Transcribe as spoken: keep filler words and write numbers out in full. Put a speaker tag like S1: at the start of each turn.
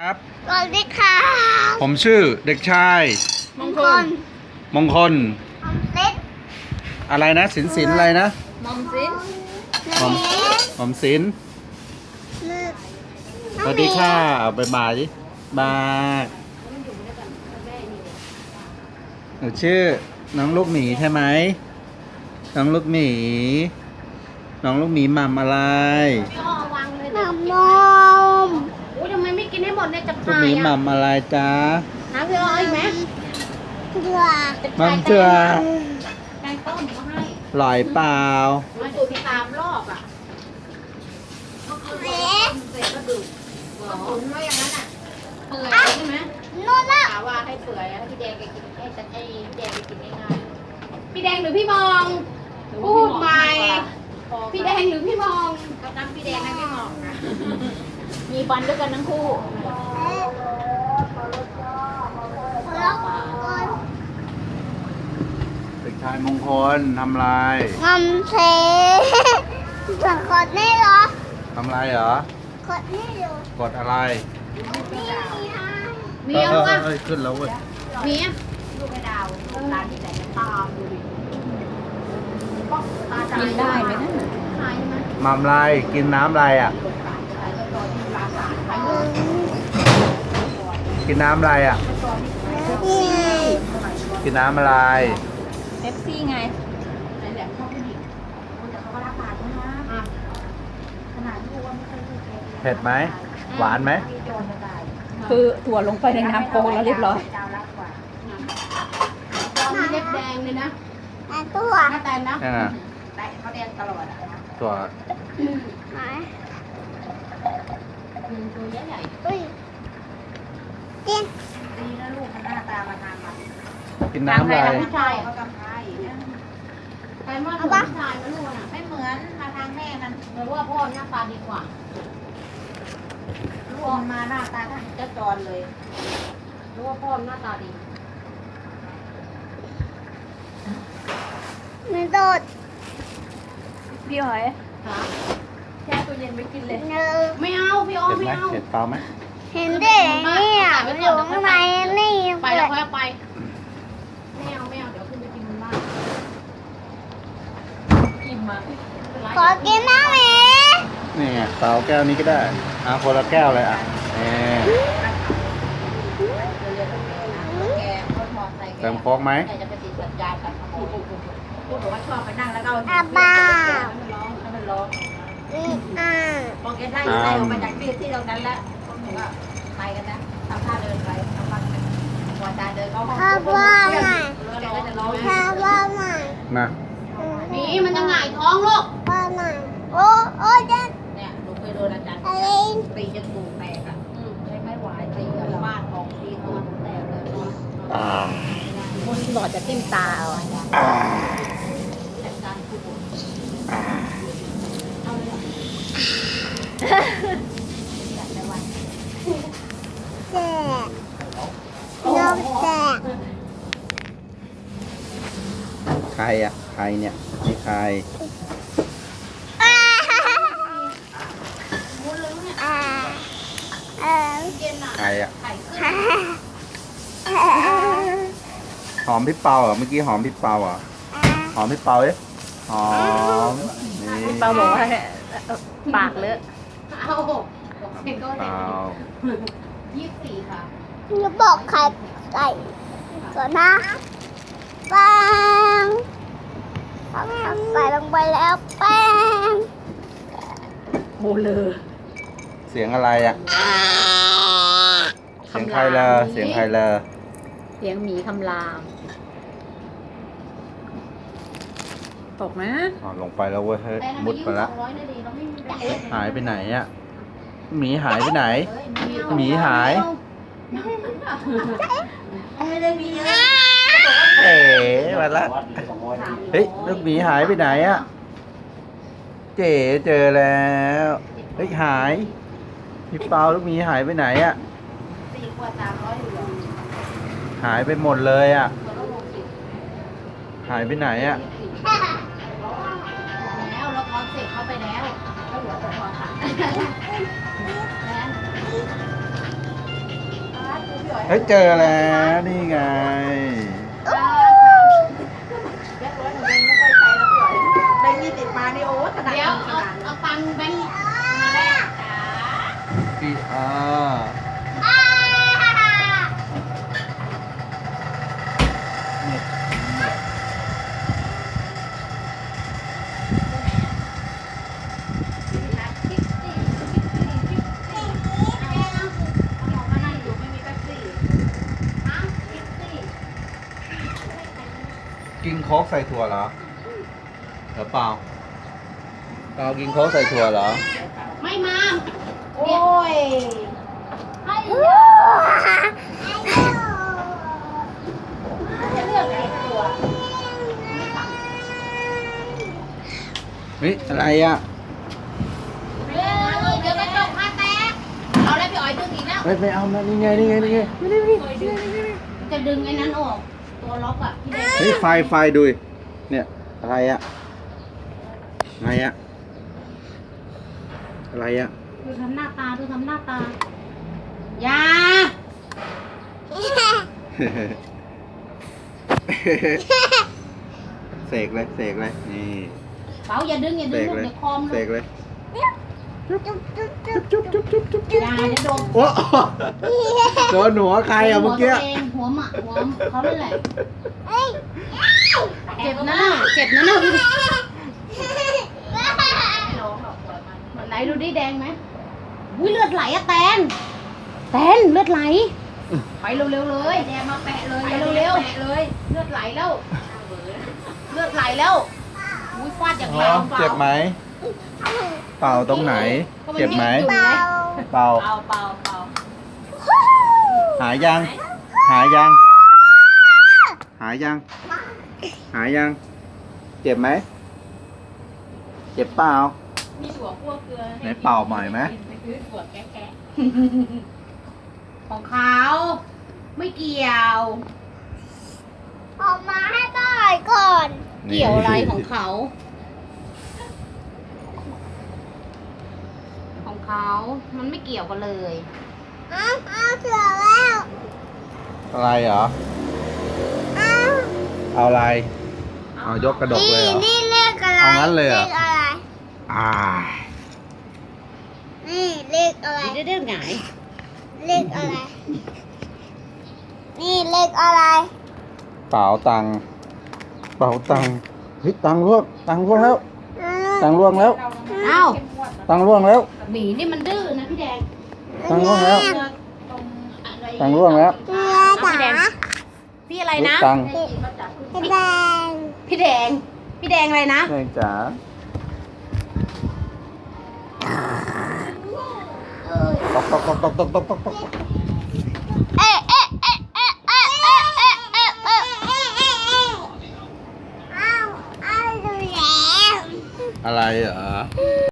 S1: ครับ
S2: สวัสดีค่ะ
S1: ผมชื่อเด็กชาย
S2: มงคล
S1: มงคล
S2: อมเล็ด
S1: อะไรนะสินสินอะไรนะ
S3: มอมสิน
S1: หอมหอมสินสวัสดีค่ะเอาไปบายดิบายหนูชื่อน้องลูกหมีใช่ไหมน้องลูกหมีน้องลูกหมีหม่ำอะไร
S3: พี่อ้อวางเลย
S2: น้ำนม
S3: โอ้ยทำไมไม่กินให้หมดเนี่ยจะ
S1: ลูก
S3: พา
S1: หมี
S3: ย
S1: หม่ำอะไรจ๊ะ
S3: หาพี่อ้ออีกไหม
S2: เดือ
S1: หม่ำเจือ
S3: แกงต้มมาให้
S1: หลอยเปล่า
S3: มาดูที่ตามรอบอ่ะ
S2: เอ๊ะ
S3: เสร็จก็ดื่มก็ตุ๋นไว้อย่างนั้นอ่ะเปื่อยใช่ไหม
S2: นู่นละ
S3: ถามว่าให้เปื่อยให้พี่แดงแกกินให้แต่ให้พี่แดงแกกินง่ายๆพี่แดงหรือพี่มองพูดใหม่พี่แดงหรือพี่มองก็นั่งพี่แดงนั่งพี่มองนะมีฟันด้วยกันทั้งคู่
S2: แล้วคน
S1: เด็กชายมงคลทำอะไร
S2: งอมเทส่วนขดนี่เหรอ
S1: ทำอะไรเหรอ
S2: ขดนี่เหรอก
S1: ดอะไร
S2: นี่อ่ะ
S3: เมียว
S1: เออ
S3: อ่ะ
S1: เออขึ้นแล้วเว้ย
S3: เมียลูกไอ้ดาวร้านที่ไหนจะตามดูดิกินได้ไหมนั่นขายไหม
S1: หม่ำอะไรกินน้ำอะไรอ่ะ กินน้ำอะไรอ่ะ
S2: นี่
S1: กินน้ำอะไร
S3: เอฟซีไงไหนแหลมชอบผู้หญิงแต่เขาก็รักปากนะขนาดลูกว่าไม่เคยลูกใคร
S1: เผ็ดไหม หวานไหม
S3: โดนจะตาย
S4: คือถั่วลงไปในน้ำโค้กแล้วเรียบร้อย
S3: เจ้ารักกว่ามีเล็บแดงเลยนะ
S2: ไอ้ตัว
S3: หน้าแตนนะ
S1: นี่นน่ะ
S3: แต่เขาแดงตลอดอ่ะ
S1: ตัว
S2: ไหน
S3: ตัวใหญ่
S2: อุ้ยกิน
S3: ๆดีนะลูกมันหน้าตามาทางมัน
S1: กินน้ำอะไร
S3: ผู้ชายเขากำไพใครว่าเหมือนผู้ชายนะลูกน่ะไม่เหมือนมาทางแม่มันหรือว่าพ่อหน้าตาดีกว่าลูกมาหน้าตาท่านเจ้าจรเลยหรือว่าพ่อหน้าตาดี
S2: มันโดด
S4: พี่หอย
S3: ค่ะ
S4: แช่ตู้เย็นไว้กินเลย
S2: เนอ
S3: ไม่เอาพี่อ้อ
S1: เผ็ด
S3: ไม่
S1: ไหม
S3: เอา
S1: เผ็ดเปล่าไหม
S2: เห็นได้เนี่ยมันอยู่ข้างในนี่
S3: ไปแล้วค่อยเอาไปไม่เอาไม่เอาเดี๋ยวขึ้นไปกินบนบ้าน
S4: อิ่มมา
S2: ขอกินน้ำหมี
S1: นี่ไงเปล่าแก้วนี้ก็ได้เอาคนละแก้วเลยอ่ะนี่
S3: แกเขามองใส่แก
S1: เติมโค้กไหม
S3: แกจะไปติดสัญญาณกับพูดพูดบอกว่าชอบไปนั่งแล้วก็
S2: อาบ้า
S3: มันร้องมันร้อง
S2: อืมอ่า
S3: พอแกได้ได้ออกมาจากที่ที่ตรงนั้นแล้วก็ไปกันนะทำท่าเดินไปทำท่าเดินพอจาเดินเข้าห้อง
S2: ข้าวว่าไง
S3: แกก็จะร้อง
S2: ข้าวว่าไง
S1: มา
S3: นี่มันจะหงายท้องลูก
S2: ว่าไงโอ้โอ้เจ๊
S3: เนี่ยลูกเคยโดนอาจารย์
S2: อะไร
S3: ตีจนตูดแตกอ่ะใช้ไม่ไหวตีกับบ้านของตีตัวแตกเลย
S4: คนหลอดจะติ้มตาเอา
S3: จัดการผู้ป่วยเอาเลยจัดในวัน
S2: แจกนมแจก
S1: ใครอ่ะใครเนี่ยนี่ใคร
S2: อ่า
S3: มุ้นเลยเนี่ย
S2: อ่าเออ
S3: เย็นอ่ะ
S1: ใครอ่ะ
S3: ไข่ขึ้น
S2: ฮ่า
S1: หอมพี่เปาเหรอเมื่อกี้หอมพี่เปาเหรอหอมพี่เปาเอ๊ะหอมนี่
S4: พี่เปาบอกว่าเอ่อปากเลอะ
S3: เอาเป็นก็
S1: เป
S3: เด็ก
S1: า
S3: ยี่สิบสี่ค่ะ
S2: จะบอกใครใส่ก่อนนะแป้งใส่ลงไปแล้วแป้ง
S4: โมเลอ
S1: เสียงอะไรอ่ะเสียงใครเลอเสียงใครเลอ
S4: เสียงหมีคำรามตกนะ
S1: อ๋อลงไปแล้วเว้ยเฮ้ย
S3: แต่ทำไม
S1: มุด
S3: ยี่
S1: ไป
S3: สิบ
S1: แล้ว
S3: สองร้อยนาทีเราไม่มีแบบ
S1: หายไปไหนอ่ะหมีหายไปไหน หมีหาย
S3: ไม่ได้มีเยอะ
S1: เอ๋มาละเฮ้ยลูกหมีหายไปไหนอ่ะเจ๋เจอแล้วเฮ้ยหายพี่เปาลูกหมีหายไปไหนอ่ะ
S3: สี่ขวดสามร้อยอยู่แล้ว
S1: หายไปหมดเลยอ่ะ
S3: ตัวละหกสิบ
S1: หายไปไหนอ่ะ
S3: แล้วเราคอนเซ็ปต์เข้าไปแล้วแล้วเหลือแต่พอค่ะแล้ว
S1: เฮ้ยเจอแล้วนี่ไง
S3: เรียบร้อยหนูเองไม่ค่อยใช้แล้วพี่อ๋อยแบงค์ยี่สิบมานี่โอ้ขนาด
S4: เดี๋ยว
S3: นี้ข
S4: เอา
S3: นาดนี้
S4: เอาตังค์แบงค์มาแลกจ้า
S1: พี่อาเนี่ย กินโค้กใส่ถั่วเหรอหรือเปล่าเปล่ากินโค้กใส่ถั่วเหรอ
S4: ไม่มา
S3: โอ้ย
S2: ให้ดู
S3: จะเลือกไหนตัว
S1: เฮ้ยอะไรอ่ะ
S4: เดี๋ยวกระจกมาแตกเอาแล้วพี่อ๋อยดึงอีกแล้ว
S1: ไม่ไม่เอานะนี่ไงนี่ไงนี่ไง
S4: จะดึงไอ้นั้นออก ตัวล็อกอ่ะพี่แดง
S1: เฮ้ยไฟไฟดูดิเนี่ยอะไรอ่ะอะไรอ่ะอะไรอ่ะ
S4: ดูทำหน้าตาดูทำหน้าตาอย่า
S1: เสกเลยเสกเลยนี่
S4: เป๋าอย่าดึงอย่า
S1: เส
S4: ดึง
S1: ก
S4: ลูก
S1: เลย
S4: เดี๋ยวคอม
S1: เส
S4: ลู
S1: ก
S4: ก
S1: เลย
S2: จุ๊บจุ๊บจุ๊บจุ๊บ
S1: จุ๊บจุ๊บจุ๊บจุ๊บจุ๊บ
S4: อย่าเดี๋ยวโดน
S1: โอ้โดนหัวใครอ่ะเมื่อกี้
S4: หัวตัวเองหัวหมาหัวเขาเลยแหละ
S2: เอ้ย
S4: เจ็บนะน่ะเจ็บนะน่ะดูดิ
S3: ไม่ร้องหรอกปล่อยมัน
S4: ไหนดูดิแดงไหมอุ้ยเลือดไหลอะแตนแตนเลือดไหล ไปเร็วๆเลย
S3: แดงมาแปะเลย
S4: ไปเร็วๆ
S3: แปะเลย
S4: เลือดไหลแล้ว เลือดไหลแล้วอุ้ยฟาดอย่าง
S1: อ๋อ
S4: แรง
S1: เจ็บไหมเป่าตรงไหน เจ็บไหม
S2: เปล่า
S1: เป่า
S3: เปล่าเปล่าเปล่า
S1: หายยัง หายยัง หายยัง หายยัง เจ็บไหม เจ็บเปล่า
S3: มีถั่วคั่วเกลือ
S1: ไหนเป่าใหม่ไหม
S3: ไปซื้อถั่วแกะ
S4: ของเขาไม่เกี่ยว
S2: ออกมาให้ป้าหน่อยก่อน
S4: เกี่ยวอะไรของเขา ของเขามันไม่เกี่ยวกันเลย
S2: อ้าวอ้าวเสือแล้ว
S1: อะไรเหรอ
S2: อ้าว
S1: เอาอะไร เอายกกระดกเลยเหรอ
S2: นี่เลขอะไร
S1: เอางั้นเลยเหรอ
S2: ขอะไร
S1: อ่า
S2: นี่เลขอะไร
S4: เด้อเด้อหงาย
S2: เลขอะไร นี่เลขอะไร
S1: เป๋าตังค์เป๋าตังค์เฮ้ยตังค์ร่วงตังค์ร่วงแล้ว ตังค์ร่วงแล้ว
S4: เอ้า
S1: ตังค์ร่วงแล้ว
S4: หมีนี่มันดื้อนะพี่แดง
S1: ตังค์ร่วงแล้ว ตังค์ร่วงแล้ว
S2: พี่แดง
S4: พี่อะไรนะ
S1: ตังค์
S2: พี่แดง
S4: พี่แดง พี่แดงอะไรนะ
S1: แม่งจ๋า ตกตกตกตกตกตกตกตก
S2: เอ๊ะเอ๊ะเอ๊ะเอ๊ะเอ๊ะเอ๊ะเอ๊ะเอ๊ะเอ๊ะอ้าวอ้าวดูแล้ว
S1: อะไรเหรอ